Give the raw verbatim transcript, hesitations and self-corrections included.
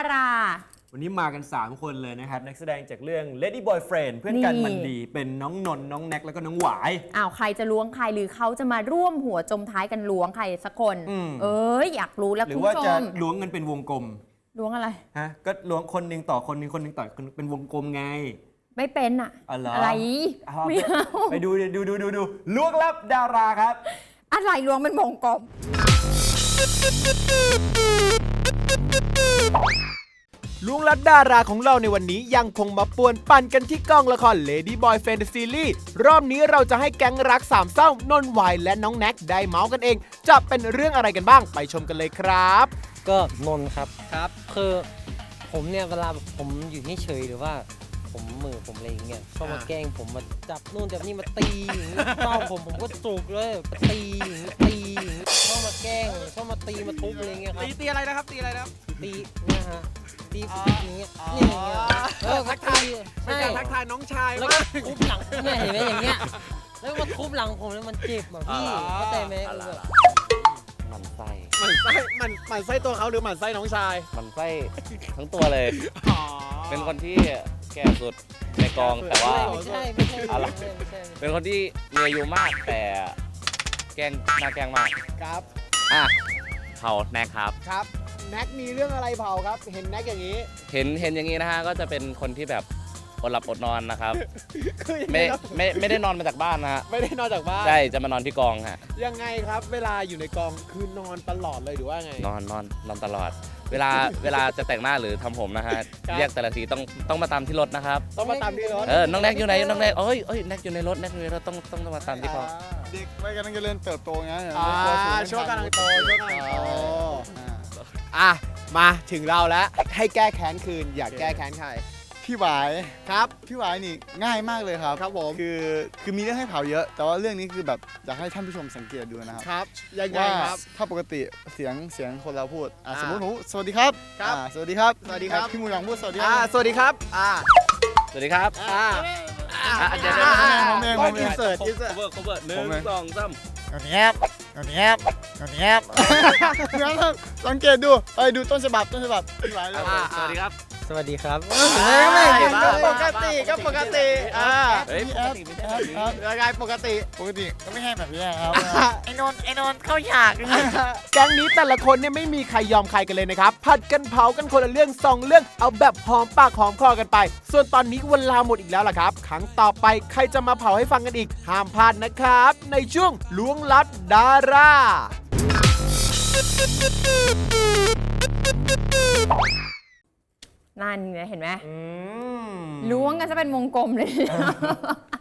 ราวันนี้มากัน สาม คนเลยนะครับนักแสดงจากเรื่อง Lady Boyfriend เพื่อนกันมันดีเป็นน้องนนท์น้องแน็กแล้วก็น้องหวายอ้าวใครจะล้วงใครหรือเขาจะมาร่วมหัวจมท้ายกันล้วงใครสักคนเอ้ยอยากรู้แล้วคุณผู้ชมหรือว่าจะล้วงเงินเป็นวงกลมล้วงอะไรฮะก็ล้วงคนหนึ่งต่อคนหนึ่งคนหนึ่งต่อเป็นวงกลมไงไม่เป็นอะอะไรไม่เอาไปดูดูดูดูดูล้วงลับดาราครับอะไรล้วงเป็นวงกลมลุงลัดดาราของเราในวันนี้ยังคงมาป่วนปั่นกันที่กองละคร Lady Boyfriend Series รอบนี้เราจะให้แก๊งรักสามเศร้านนท์หวายและน้องแน็กได้เมาส์กันเองจะเป็นเรื่องอะไรกันบ้างไปชมกันเลยครับก็นนท์ครับครับคือผมเนี่ยเวลาผมอยู่เฉยๆหรือว่าผมมือผมอะไรอย่างเงี้ยชอบมาแกล้งผมมาจับนู่นจับนี่มาตีอย่างงี้เป้าผมผมก็จุกเลยตีอย่างงี้ตีอย่างงี้ชอบมาแกล้งชอบมาตีมาทุบอะไรเงี้ยครับตีตีอะไรนะครับตีอะไรนะครับตีเนี่ยฮะตีอย่างเงี้ยเนี่ยอย่างเงี้ยเออทักทายใช่ทักทายน้องชายแล้วก็ทุบหลังเนี่ยเห็นไหมอย่างเงี้ยแล้วมาทุบหลังผมแล้วมันเจ็บอ่ะพี่เข้าใจไหมมันไส้มันไส้มันมันไส้ตัวเขาหรือมันไส้น้องชายมันไส้ทั้งตัวเลยเป็นคนที่แก่สุดในกองแต่ว่าไม่ใช่ไม่ใช่อะไรเป็นคนที่มีอายุมากแต่แกงน่าแกงมากครับอ่ะเผาแน็กครับครับแน็กมีเรื่องอะไรเผาครับเห็นแน็กอย่างนี้เห็นเห็นอย่างนี้นะฮะก็จะเป็นคนที่แบบอดหลับอดนอนนะครับไม่ไม่ไม่ได้นอนมาจากบ้านนะฮะไม่ได้นอนจากบ้านใช่จะมานอนที่กองฮะยังไงครับเวลาอยู่ในกองคือนอนตลอดเลยหรือว่าไงนอนนอนนอนตลอดเวลาเวลาจะแต่งหน้าหรือทำผมนะฮะเรียกแต่ละทีต้องต้องมาตามที่รถนะครับต้องมาตามที่รถเออน้องแน็กอยู่ไหนน้องแน็กเอ้ยเอ้ยแน็กอยู่ในรถแน็กอยู่ในรถต้องต้องมาตามที่กองเด็กไม่กำลังจะเริ่มเติบโตไงช่วงกำลังโตช่วงกำลังโตอ่ะมาถึงเราแล้วให้แก้แค้นคืนอยากแก้แค้นใครพี่หวายครับพี่หวายนี่ง่ายมากเลยครับครับผมคือคือมีเรื่องให้เผาเยอะแต่ว่าเรื่องนี้คือแบบอยากให้ท่านผู้ชมสังเกตดูนะครับครับยังไงครับถ้าปกติเสียงเสียงคนเราพูดอ่าสมมติหนูสวัสดีครับครับสวัสดีครับสวัสดีครับพี่มูหยองพูดสวัสดีครับสวัสดีครับอ่าสวัสดีครับอ่าเดี๋ยวผมเองผมเองอินเสิร์ตอินเสิร์ต cover cover หนึ่งสองสามตอนนี้ครับตอนนี้ครับตอนนี้ครับงั้นสังเกตดูไปดูต้นฉบับต้นฉบับพี่หวายเลยสวัสดีครับสวัสดีครับก็ปกติก็ปกติอ่าเฮ้ยปกติไม่ใช่แบบนี้ยังไงปกติปกติก็ไม่ใช่แบบนี้ครับไอ้นนไอ้นนเข้าฉากแก๊งนี้แต่ละคนเนี่ยไม่มีใครยอมใครกันเลยนะครับผัดกันเผากันคนละเรื่องสองเรื่องเอาแบบหอมปากหอมคอกันไปส่วนตอนนี้เวลาหมดอีกแล้วล่ะครับครั้งต่อไปใครจะมาเผาให้ฟังกันอีกห้ามพลาดนะครับในช่วงล้วงลัดดารานั่นไงเห็นไหมล้วงกันจะเป็นวงกลมเลย